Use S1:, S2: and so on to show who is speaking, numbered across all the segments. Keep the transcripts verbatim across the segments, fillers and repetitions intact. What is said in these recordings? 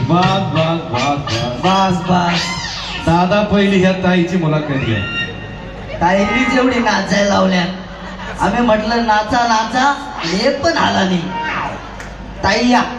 S1: बस बस बस बस
S2: बस बस.
S1: दादा पहिली ह्या ताईची मुलाखत घ्या.
S2: ताईनीच एवढी नाचायला लावल्या. आम्ही म्हटलं नाचा नाचा, हे पण आला नाही. ताई या.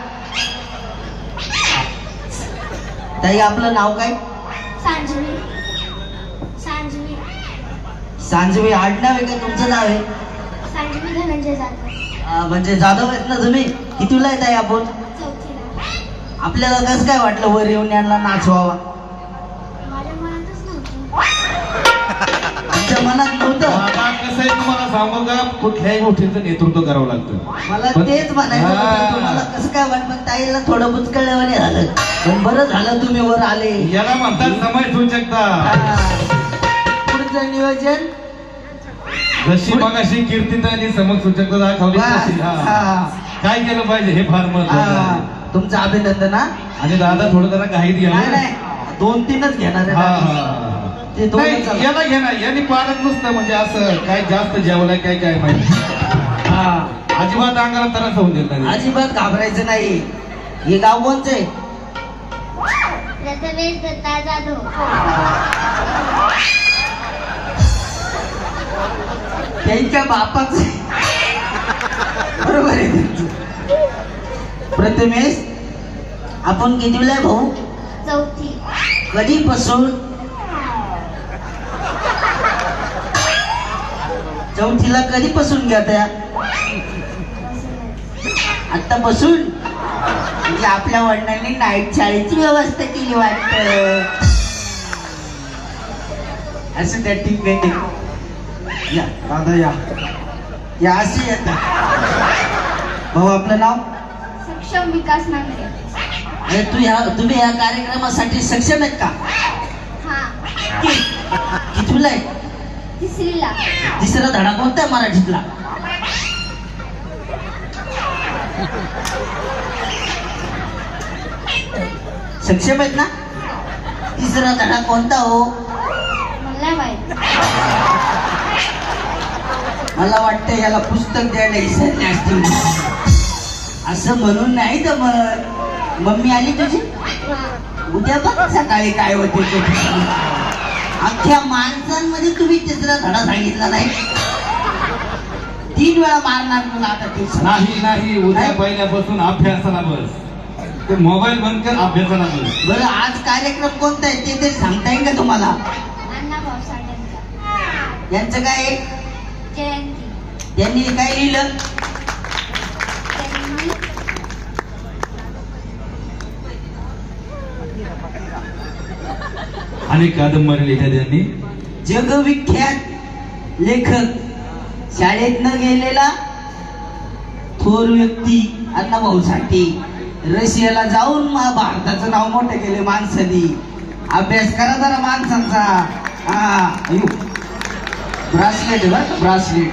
S2: ताई आपलं नाव काय?
S3: सांजवी. सांजवी.
S2: सांजवी आडनाव आहे का तुमचं नाव आहे?
S3: सांजवी धनंजय जाधव.
S2: आ, म्हणजे जाधव आहेत ना तुम्ही? कितीला येत आहे आपण?
S3: चौथीला.
S2: आपल्याला कसं काय वाटलं वर येऊन यांना नाचवावा?
S3: माझ्या मनातच नव्हतं.
S2: तुमच्या मनात नव्हतं?
S1: दादा कसं आहे तुम्हाला सांगू का, कुठल्याही गोष्टीचं नेतृत्व करावं लागतं.
S2: मला
S1: पण-
S2: तेच म्हणायचं
S1: हा.
S2: होतं, तुम्हाला कसं काय वाटलं? ताईला थोडं बुचकळल्यावाने झालं, पण बरं झालं तुम्ही वर आले.
S1: याला म्हणतात समय सूचकता.
S2: हा. पुढचं नियोजन
S1: जशी मगाशी कीर्तिताईंनी समज सूचकता दाखवली
S2: बस.
S1: तशी, हा.
S2: हा.
S1: काय केलं पाहिजे हे फार महत्वाचं
S2: हा.
S1: आहे.
S2: तुमचं अभिनंदन हा.
S1: आणि दादा थोडं जरा घाईत
S2: नाही
S1: घ्या.
S2: नाही, दोन तीनच घेणार
S1: हा
S2: आहे.
S1: हा
S2: ते दोन
S1: नाही, याला घे ना, यांनी पालक नुसतं म्हणजे असं काय जास्त जेवलाय काय काय माहिती.
S2: हा.
S1: अजिबात अंगाला त्रास होऊन देत नाही.
S2: अजिबात घाबरायचं नाही. हे गाव कोणचं आहे?
S3: प्रथमेश दत्ता जाधव.
S2: त्यांच्या बापाच बरोबर आहे त्यांचं. प्रथमेश, आपण कितीला आहे भाऊ?
S3: चौथी.
S2: कधीपासून? चौथीला कधीपासून घेत्या? आतापासून? म्हणजे आपल्या वडिलांनी नाईट शाळेची व्यवस्था केली वाटत. असं त्या ठीक आहे, ठीक आहे. या दादा या या असे येतात. भाऊ आपलं नाव?
S3: सक्षम विकास नांगरे.
S2: अरे तू ह्या तुम्ही या कार्यक्रमासाठी सक्षम आहेत का?
S3: हा.
S2: कितवीला आहे?
S3: तिसरीला.
S2: तिसरा धडा कोणता आहे मराठीतला? सक्षम आहेत ना? तिसरा धडा कोणता हो?
S3: मला माहित.
S2: मला वाटतं याला पुस्तक द्यायला विसरले असतील. असं म्हणून नाही तर मग मम्मी आली तुझी? उद्या बघ सकाळी काय होते ते. अख्ख्या माणसांमध्ये तुम्ही तिसरा धडा सांगितला नाही. तीन वेळा मारणार तुला आता ट्युशन.
S1: नाही नाही, उद्या
S2: काय?
S1: पहिल्यापासून अभ्यासाला बस. ते मोबाईल बंद कर, अभ्यासाला बस.
S2: बरं आज कार्यक्रम कोणता आहे ते तरी सांगता येईल का तुम्हाला?
S3: अण्णाभाऊ साठेंचा
S2: यांचं काय आहे?
S3: जयंती.
S2: त्यांनी काय लिहिलं?
S3: त्यांनी
S1: अनेक कादंबरी लिहिल्या त्यांनी.
S2: जगविख्यात लेखक, शाळेत न गेलेला थोर व्यक्ती अण्णाभाऊ साठे. रशियाला जाऊन मा- भारताचं नाव मोठं केले माणसानी. अभ्यास करा जरा माणसांचा. हा ब्रासलेट बरं, ब्रासलेट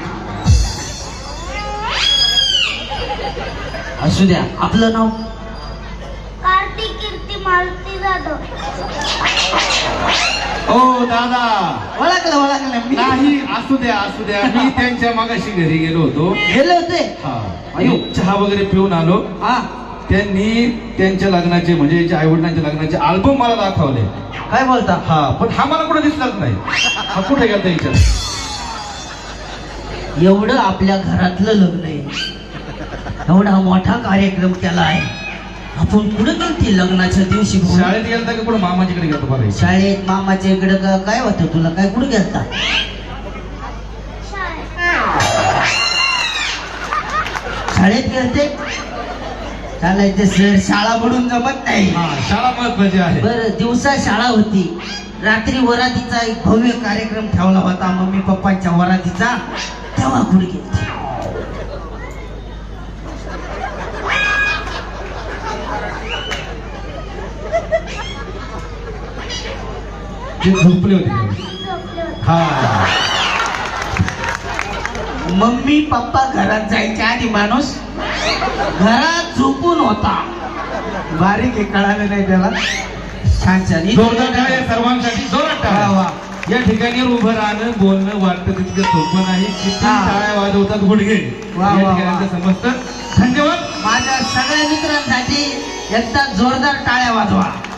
S2: असू द्या. आपलं नाव?
S3: कार्तिक कीर्ती मारुती जाधव.
S1: ओ दादा,
S2: ओळखलं ओळखलं मी.
S1: नाही असू द्या असू द्या. मी त्यांच्या मागाशी घरी गेलो होतो.
S2: गेले होते?
S1: हा. आणि चहा वगैरे पिऊन आलो.
S2: हा.
S1: त्यांनी त्यांच्या लग्नाचे म्हणजे आई वडिलांच्या लग्नाचे अल्बम मला दाखवले.
S2: काय बोलता?
S1: हा, पण हा मला कुठे दिसलाच नाही. हा कुठे गेला त्यांच्या?
S2: एवढं आपल्या घरातलं लग्न आहे, एवढा मोठा कार्यक्रम केला आहे, आपण कुठे गेलती लग्नाच्या दिवशी? भाऊ?
S1: शाळेत गेलता का कुठे मामाच्याकडे गेलता? बरं
S2: शाळेत मामाच्या इकडे का- काय होतं तुला? काय कुठे गेलता? शाळेत गेलते? चालायचं सर, शाळा बुडून जमत नाही.
S1: हा, शाळा महत्वाची आहे.
S2: बरं, दिवसा शाळा होती, रात्री वरातीचा एक भव्य कार्यक्रम ठेवला होता मम्मी पप्पांच्या वरातीचा, तेव्हा कुठे गेलते?
S1: ते झोपले होते.
S3: झोपले होते.
S1: हा,
S2: मम्मी पप्पा घरात जायच्या आधी माणूस घरात झोपून होता. बारीक आहे, कळालं नाही त्याला. छान छान.
S1: जोरदार टाळ्या सर्वांसाठी, जोरात
S2: वा,
S1: टाळ्या.
S2: वा.
S1: या ठिकाणी उभं राहणं बोलणं वाटतं तितकं सोपं नाही. किती
S2: हा.
S1: टाळ्या वाजवतात गुडघे.
S2: वा,
S1: या
S2: वा,
S1: ठिकाणी
S2: वा.
S1: समजतं. धन्यवाद.
S2: माझ्या सगळ्या मित्रांसाठी एकदा जोरदार टाळ्या वाजवा.